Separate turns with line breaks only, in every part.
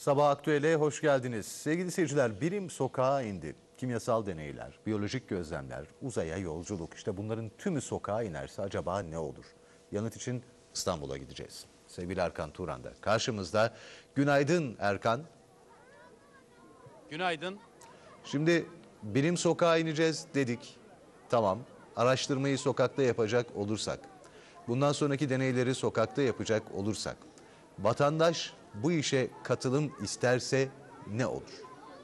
Sabah Aktüel'e hoş geldiniz. Sevgili seyirciler, bilim sokağa indi. Kimyasal deneyler, biyolojik gözlemler, uzaya yolculuk. İşte bunların tümü sokağa inerse acaba ne olur? Yanıt için İstanbul'a gideceğiz. Sevgili Erkan Turan da karşımızda. Günaydın Erkan.
Günaydın.
Şimdi bilim sokağa ineceğiz dedik. Tamam. Araştırmayı sokakta yapacak olursak, bundan sonraki deneyleri sokakta yapacak olursak, vatandaş bu işe katılım isterse ne olur?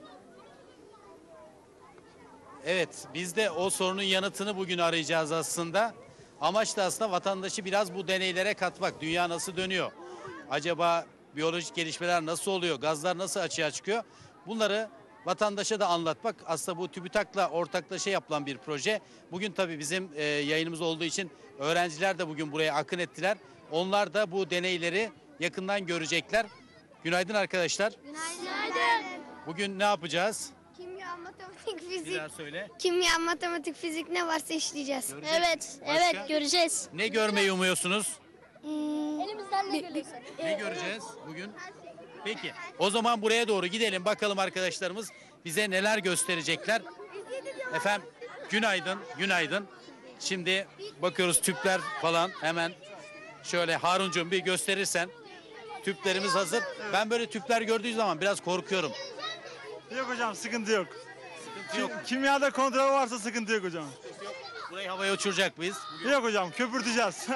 Evet, biz de o sorunun yanıtını bugün arayacağız aslında. Amaç da aslında vatandaşı biraz bu deneylere katmak. Dünya nasıl dönüyor? Acaba biyolojik gelişmeler nasıl oluyor? Gazlar nasıl açığa çıkıyor? Bunları vatandaşa da anlatmak. Aslında bu TÜBİTAK'la ortaklaşa yapılan bir proje. Bugün tabii bizim yayınımız olduğu için öğrenciler de bugün buraya akın ettiler. Onlar da bu deneyleri yakından görecekler. Günaydın arkadaşlar.
Günaydın.
Bugün ne yapacağız?
Kimya, matematik,
Bir
fizik.
daha söyle.
Kimya, matematik, fizik ne varsa işleyeceğiz.
Göreceğiz.
Evet,
Başka?
evet göreceğiz.
Ne görmeyi umuyorsunuz?
Elimizden ne gelirse.
Ne göreceğiz bugün? Peki. O zaman buraya doğru gidelim. Bakalım arkadaşlarımız bize neler gösterecekler. Efendim günaydın, günaydın. Şimdi bakıyoruz tüpler falan hemen. Şöyle Haruncuğum bir gösterirsen. Tüplerimiz hazır. Ben böyle tüpler gördüğüm zaman biraz korkuyorum.
Yok hocam, sıkıntı yok.
Yok.
Kimyada kontrol varsa sıkıntı yok hocam.
Burayı havaya uçuracak mıyız?
Yok hocam, köpürteceğiz.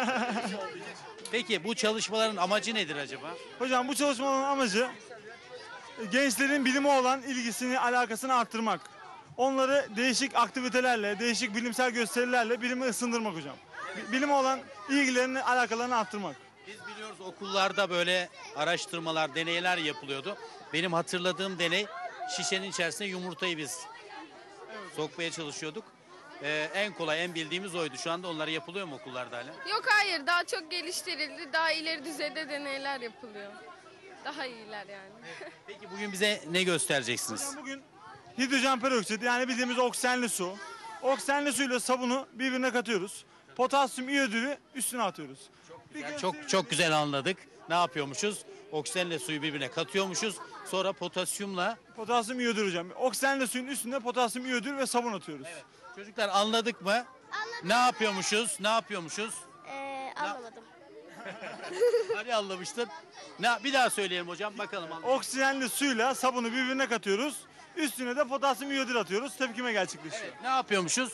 Peki bu çalışmaların amacı nedir acaba?
Hocam bu çalışmanın amacı gençlerin bilime olan ilgisini, alakasını arttırmak. Onları değişik aktivitelerle, değişik bilimsel gösterilerle bilimi ısındırmak hocam. Bilime olan ilgilerini, alakalarını arttırmak.
Biz biliyoruz okullarda böyle araştırmalar, deneyler yapılıyordu. Benim hatırladığım şişenin içerisine yumurtayı biz sokmaya çalışıyorduk. En kolay, en bildiğimiz oydu. Şu anda onlar yapılıyor mu okullarda hala?
Yok hayır, daha çok geliştirildi. Daha ileri düzeyde deneyler yapılıyor. Daha iyiler yani.
Peki bugün bize ne göstereceksiniz?
Hocam bugün hidrojen peroksit, yani bildiğimiz oksijenli su. Oksijenli suyla sabunu birbirine katıyoruz. Potasyum iyodürü üstüne atıyoruz.
Çok güzel anladık. Ne yapıyormuşuz? Oksijenle suyu birbirine katıyormuşuz. Sonra potasyumla.
Potasyum iyodür hocam. Oksijenli suyun üstüne potasyum iyodür ve sabun atıyoruz.
Çocuklar anladık mı? Ne yapıyormuşuz? Ne yapıyormuşuz?
Anlamadım.
Hani anlamıştın? Bir daha söyleyelim hocam. Bakalım anladık.
Oksijenli suyla sabunu birbirine katıyoruz. Üstüne de potasyum iyodür atıyoruz. Tepkime gerçekleşiyor.
Ne yapıyormuşuz?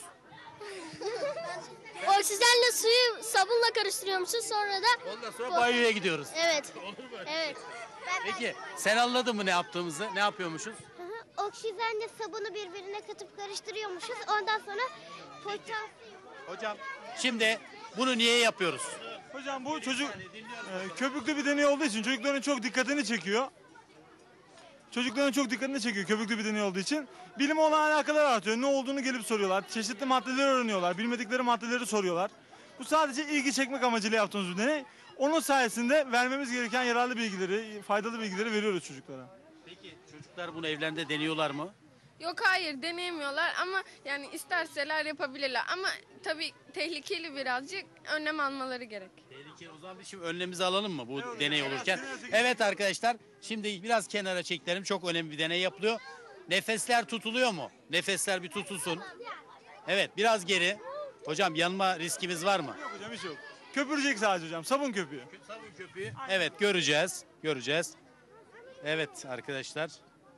Oksijenle suyu sabunla karıştırıyormuşuz sonra da...
Ondan sonra banyoya gidiyoruz.
Evet. Evet.
Peki sen anladın mı ne yaptığımızı? Ne yapıyormuşuz?
Oksijenle sabunu birbirine katıp karıştırıyormuşuz. Ondan sonra potasyum.
Hocam şimdi bunu niye yapıyoruz?
Hocam bu köpüklü bir deney olduğu için çocukların çok dikkatini çekiyor. Çocukların çok dikkatini çekiyor köpüklü bir deney olduğu için. Bilime olan alakalar artıyor. Ne olduğunu gelip soruyorlar. Çeşitli maddeleri öğreniyorlar. Bilmedikleri maddeleri soruyorlar. Bu sadece ilgi çekmek amacıyla yaptığımız bir deney. Onun sayesinde vermemiz gereken yararlı bilgileri, faydalı bilgileri veriyoruz çocuklara.
Peki çocuklar bunu evlerinde deniyorlar mı?
Yok hayır, deneyemiyorlar ama yani isterseler yapabilirler. Ama tabii tehlikeli birazcık, önlem almaları gerek.
Tehlikeli, o zaman biz şimdi önlemimizi alalım mı bu deney olurken? Evet arkadaşlar, şimdi biraz kenara çekelim. Çok önemli bir deney yapılıyor. Nefesler tutuluyor mu? Nefesler bir tutulsun. Evet, biraz geri. Hocam yanma riskimiz var mı?
Yok hocam, hiç yok. Köpürecek sadece hocam. Sabun köpüğü.
Sabun köpüğü. Evet, göreceğiz. Göreceğiz. Evet arkadaşlar.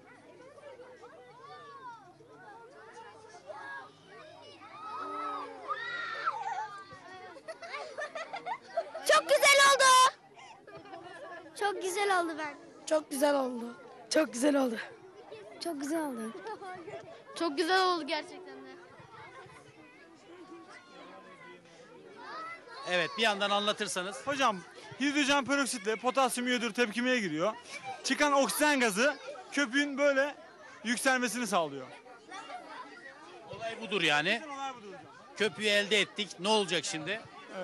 Çok güzel oldu. Çok güzel oldu ben.
Çok güzel oldu. Çok güzel oldu.
Çok güzel oldu.
Çok güzel oldu gerçekten de.
Evet, bir yandan anlatırsanız.
Hocam hidrojen peroksitle potasyum iyodür tepkimeye giriyor. Çıkan oksijen gazı köpüğün böyle yükselmesini sağlıyor.
Olay budur yani. Köpüğü elde ettik. Ne olacak şimdi?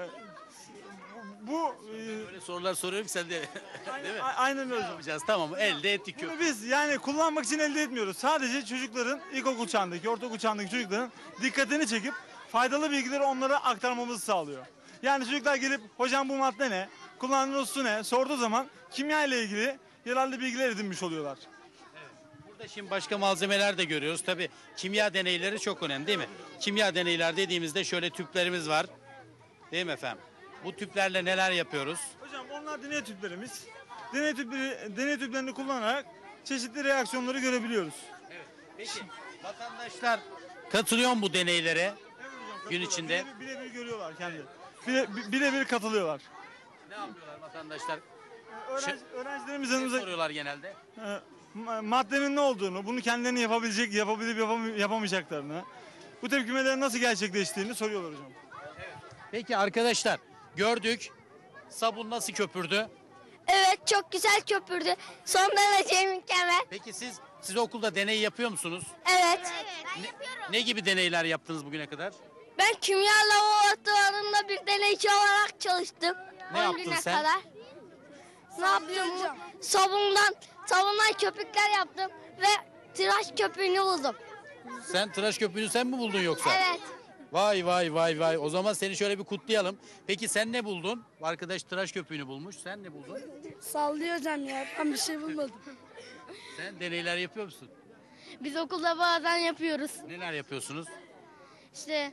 Bu
Böyle sorular soruyorum ki sen de. Değil mi?
aynen öyle hocam.
Yapacağız, tamam, elde ettik köpüğü.
Bunu biz yani kullanmak için elde etmiyoruz. Sadece çocukların ilkokul çağındaki, ortaokul çağındaki çocukların dikkatini çekip faydalı bilgileri onlara aktarmamızı sağlıyor. Yani çocuklar gelip hocam bu madde ne, kullandığınız su ne sorduğu zaman kimya ile ilgili yararlı bilgiler edinmiş oluyorlar.
Burada şimdi başka malzemeler de görüyoruz. Tabii kimya deneyleri çok önemli değil mi? Kimya deneyler dediğimizde şöyle tüplerimiz var. Değil mi efendim? Bu tüplerle neler yapıyoruz?
Hocam onlar deney tüplerimiz. Deney tüplerini kullanarak çeşitli reaksiyonları görebiliyoruz.
Peki vatandaşlar katılıyor mu bu deneylere?
Evet hocam,
Gün içinde.
Birebir görüyorlar kendi. Birebir katılıyorlar.
Ne yapıyorlar vatandaşlar?
Öğrencilerimizin
Ne soruyorlar genelde?
maddenin ne olduğunu, bunu kendilerini yapabilip yapamayacaklarını, bu tepkimelerin nasıl gerçekleştiğini soruyorlar hocam.
Peki arkadaşlar gördük. Sabun nasıl köpürdü?
Evet çok güzel köpürdü. Son derece mükemmel.
Peki siz okulda deney yapıyor musunuz?
Evet.
Ne gibi deneyler yaptınız bugüne kadar?
Ben kimya laboratuvarında bir deneyci olarak çalıştım.
Ne
10
yaptın
güne
sen?
kadar. Ne yaptım? Sabundan köpükler yaptım ve tıraş köpüğünü buldum.
Sen tıraş köpüğünü sen mi buldun yoksa?
Evet.
Vay vay vay vay. O zaman seni şöyle bir kutlayalım. Peki sen ne buldun? Arkadaş tıraş köpüğünü bulmuş. Sen ne buldun?
Sallıyor hocam ya. Ben bir şey bulmadım.
Sen deneyler yapıyor musun?
Biz okulda bazen yapıyoruz.
Neler yapıyorsunuz?
İşte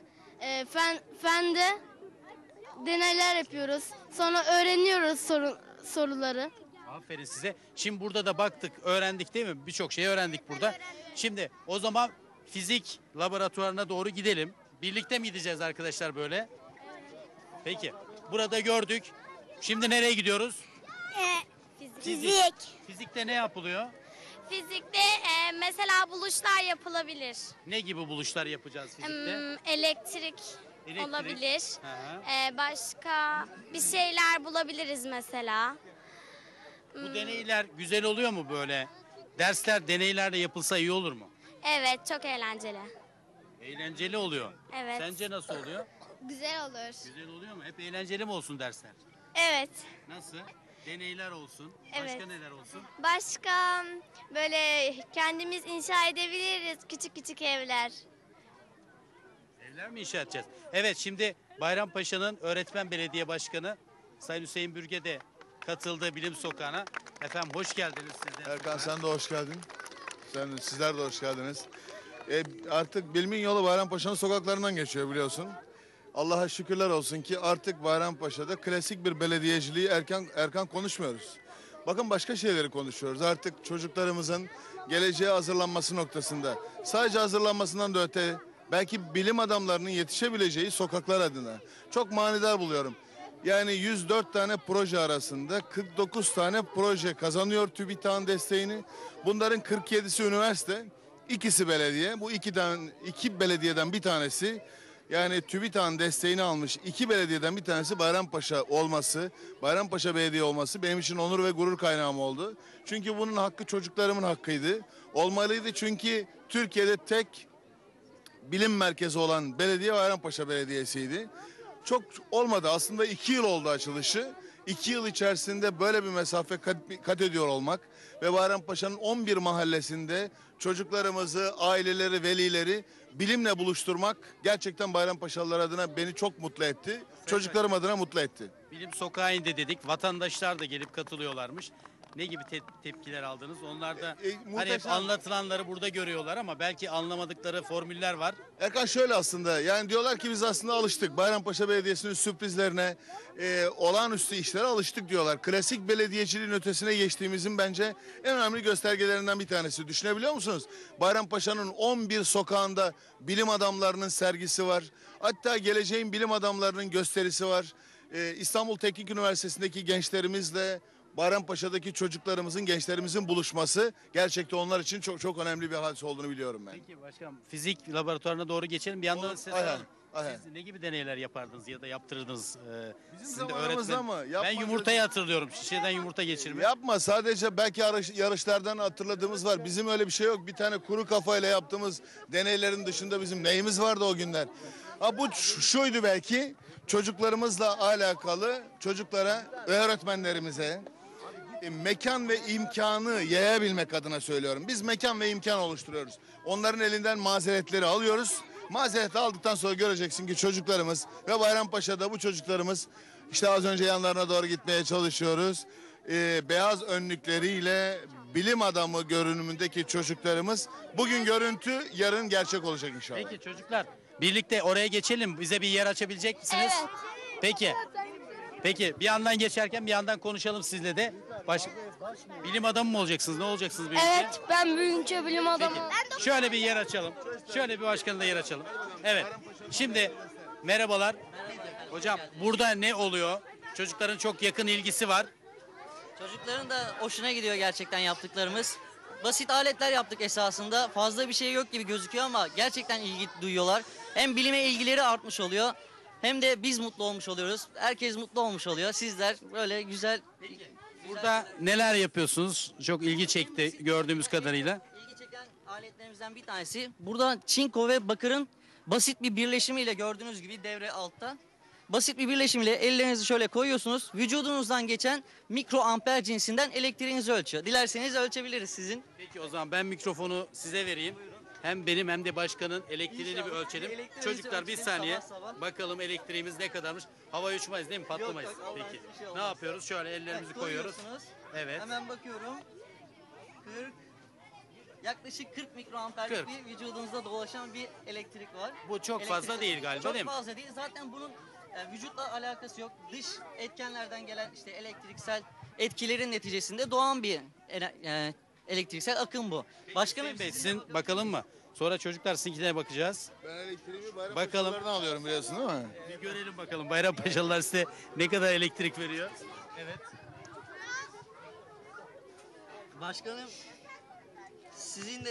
fende deneyler yapıyoruz. Sonra öğreniyoruz soruları.
Aferin size. Şimdi burada da baktık, öğrendik değil mi? Birçok şey öğrendik burada. Şimdi o zaman fizik laboratuvarına doğru gidelim. Birlikte mi gideceğiz arkadaşlar böyle? Peki. Burada gördük. Şimdi nereye gidiyoruz?
Fizik.
Fizikte ne yapılıyor?
Fizikte mesela buluşlar yapılabilir.
Ne gibi buluşlar yapacağız fizikte?
Elektrik olabilir.
Hı hı.
Başka bir şeyler bulabiliriz mesela.
Bu deneyler güzel oluyor mu böyle? Dersler deneylerle yapılsa iyi olur mu?
Evet, çok eğlenceli.
Eğlenceli oluyor.
Evet.
Sence nasıl oluyor?
Güzel olur.
Güzel oluyor mu? Hep eğlenceli mi olsun dersler?
Evet.
Nasıl? Deneyler olsun. Başka
Evet.
neler olsun?
Başka böyle kendimiz inşa edebiliriz küçük küçük evler.
Evler mi inşa edeceğiz? Evet, şimdi Bayrampaşa'nın öğretmen belediye başkanı Sayın Hüseyin Bürge de katıldı Bilim Sokağı'na. Efendim hoş geldiniz siz de.
Erkan sen de hoş geldin. Sizler de hoş geldiniz. Artık bilimin yolu Bayrampaşa'nın sokaklarından geçiyor biliyorsun. Allah'a şükürler olsun ki artık Bayrampaşa'da klasik bir belediyeciliği erken konuşmuyoruz. Bakın başka şeyleri konuşuyoruz. Artık çocuklarımızın geleceğe hazırlanması noktasında. Sadece hazırlanmasından da öte belki bilim adamlarının yetişebileceği sokaklar adına. Çok manidar buluyorum. Yani 104 tane proje arasında 49 tane proje kazanıyor TÜBİTAK'ın desteğini. Bunların 47'si üniversite, ikisi belediye. Bu iki belediyeden bir tanesi yani TÜBİTAK'ın desteğini almış iki belediyeden bir tanesi Bayrampaşa olması, Bayrampaşa Belediye olması benim için onur ve gurur kaynağım oldu. Çünkü bunun hakkı çocuklarımın hakkıydı. Olmalıydı çünkü Türkiye'de tek bilim merkezi olan belediye Bayrampaşa Belediyesi'ydi. Çok olmadı. Aslında 2 yıl oldu açılışı. 2 yıl içerisinde böyle bir mesafe kat ediyor olmak ve Bayrampaşa'nın 11 mahallesinde çocuklarımızı, aileleri, velileri bilimle buluşturmak gerçekten Bayrampaşalılar adına beni çok mutlu etti. Çocuklarım adına mutlu etti.
Bilim Sokağı indi dedik. Vatandaşlar da gelip katılıyorlarmış. Ne gibi tepkiler aldınız? Onlar da hani hep
muhteşem.
anlatılanları burada görüyorlar ama belki anlamadıkları formüller var.
Erkan şöyle aslında yani diyorlar ki biz aslında alıştık. Bayrampaşa Belediyesi'nin sürprizlerine, olağanüstü işlere alıştık diyorlar. Klasik belediyeciliğin ötesine geçtiğimizin bence en önemli göstergelerinden bir tanesi. Düşünebiliyor musunuz? Bayrampaşa'nın 11 sokağında bilim adamlarının sergisi var. Hatta geleceğin bilim adamlarının gösterisi var. İstanbul Teknik Üniversitesi'ndeki gençlerimizle Bayrampaşa'daki çocuklarımızın, gençlerimizin buluşması gerçekten onlar için çok çok önemli bir hadise olduğunu biliyorum ben.
Peki başkanım fizik laboratuvarına doğru geçelim. Bir yandan size
aynen,
soralım.
aynen.
Siz ne gibi deneyler yapardınız ya da yaptırırdınız? Sizin de
zamanımızda
öğretmen.
mı?
Ben
Yapma
yumurtayı hatırlıyorum. Şişeden yumurta geçirme.
Yapma sadece belki yarışlardan hatırladığımız var. Bizim öyle bir şey yok. Bir tane kuru kafayla yaptığımız deneylerin dışında bizim neyimiz vardı o günler? Ha bu şuydu belki çocuklarımızla alakalı çocuklara ve öğretmenlerimize mekan ve imkanı yayabilmek adına söylüyorum. Biz mekan ve imkan oluşturuyoruz. Onların elinden mazeretleri alıyoruz. Mazeret aldıktan sonra göreceksin ki çocuklarımız ve Bayrampaşa'da bu çocuklarımız işte az önce yanlarına doğru gitmeye çalışıyoruz. beyaz önlükleriyle bilim adamı görünümündeki çocuklarımız bugün görüntü, yarın gerçek olacak inşallah.
Peki çocuklar birlikte oraya geçelim. Bize bir yer açabilecek misiniz?
Evet.
Peki. Peki bir yandan geçerken bir yandan konuşalım sizle de. Bilim adamı mı olacaksınız? Ne olacaksınız birlikte?
Evet, ben büyüyünce bilim adamı.
Şöyle bir yer açalım. Şöyle bir başkanı da yer açalım. Evet. Şimdi merhabalar. Hocam burada ne oluyor? Çocukların çok yakın ilgisi var.
Çocukların da hoşuna gidiyor gerçekten yaptıklarımız. Basit aletler yaptık esasında. Fazla bir şey yok gibi gözüküyor ama gerçekten ilgi duyuyorlar. Hem bilime ilgileri artmış oluyor. Hem de biz mutlu olmuş oluyoruz. Herkes mutlu olmuş oluyor. Sizler böyle güzel...
Burada neler yapıyorsunuz? Çok ilgi çekti gördüğümüz kadarıyla.
İlgi çeken aletlerimizden bir tanesi. Burada çinko ve bakırın basit bir birleşimiyle gördüğünüz gibi devre altta. Basit bir birleşimiyle ellerinizi şöyle koyuyorsunuz. Vücudunuzdan geçen mikro amper cinsinden elektriğinizi ölçüyor. Dilerseniz ölçebiliriz sizin.
Peki o zaman ben mikrofonu size vereyim. Hem benim hem de başkanın elektriğini bir
İnşallah.
ölçelim.
Elektriğimizi
Çocuklar bir
ölçelim
saniye.
sabah sabah.
Bakalım elektriğimiz ne kadarmış. Havaya uçmayız değil mi? Patlamayız.
Yok, Allah'ın
Peki.
hiçbir şey
Ne
olmaz.
yapıyoruz? Şöyle ellerimizi
Evet,
koyuyoruz.
koyuyorsunuz.
Evet.
Hemen bakıyorum. 40 yaklaşık 40 mikroamperlik
40.
bir vücudunuzda dolaşan bir elektrik var.
Bu çok fazla değil galiba,
çok
değil mi?
fazla değil. Zaten bunun vücutla alakası yok. Dış etkenlerden gelen işte elektriksel etkilerin neticesinde doğan bir elektriksel akım bu. Başka
Hüseyin Bey,
sizin
sizin bakalım mı? Sonra çocuklar sizinkine bakacağız.
Ben elektriğimi bayram
Bakalım.
paşalarından alıyorum biliyorsun değil mi?
Bir görelim bakalım Bayrampaşalılar size ne kadar elektrik veriyor. Evet.
Başkanım sizin de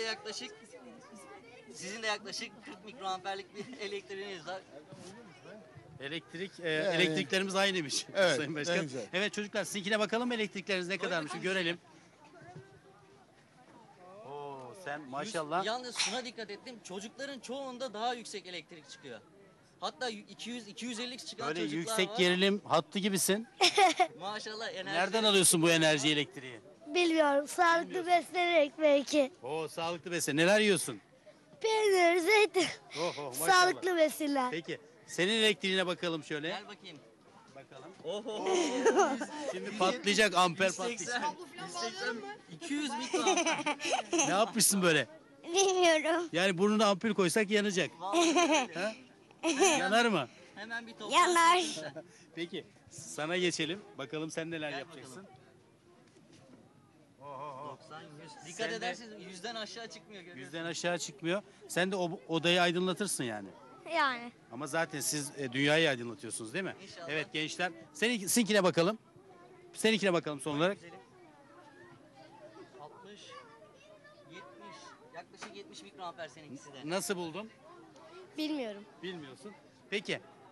yaklaşık 40 mikroamperlik bir elektriğiniz var.
Elektriklerimiz aynıymış.
Evet,
Sayın
ne
Başkan.
güzel.
Evet çocuklar sizinkine bakalım mı elektrikleriniz ne kadarmış bir görelim. Oo sen maşallah.
Yalnız şuna dikkat ettim. Çocukların çoğunda daha yüksek elektrik çıkıyor. Hatta 200-250 çıkan
Böyle
çocuklar
yüksek
var.
gerilim hattı gibisin.
Maşallah enerji.
Nereden alıyorsun bu enerji elektriği?
Bilmiyorum. Sağlıklı beslenerek belki.
Oo sağlıklı besin. Neler yiyorsun?
Peynir, zeytin.
Maşallah.
Sağlıklı besinler.
Peki senin elektriğine bakalım şöyle.
Gel bakayım.
Bakalım.
Oho.
Şimdi patlayacak amper
180,
patlayacak.
180, 200 mikroamper.
Ne yapmışsın böyle?
Bilmiyorum.
Yani burnuna ampul koysak yanacak.
Vallahi öyle.
Yanar mı?
Hemen bir topla.
Yanar.
Peki sana geçelim. Bakalım sen neler
Gel
yapacaksın.
90, 100. Dikkat
Sen de-
ederseniz yüzden aşağı çıkmıyor. Görüyorsunuz.
Yüzden aşağı çıkmıyor. Sen de o odayı aydınlatırsın yani.
Yani.
Ama zaten siz dünyayı aydınlatıyorsunuz değil mi?
İnşallah.
Evet gençler. Seninkine bakalım. Seninkine bakalım son olarak.
60, 70, yaklaşık 70 mikroamper seninkisi de.
Nasıl buldun?
Bilmiyorum.
Bilmiyorsun. Peki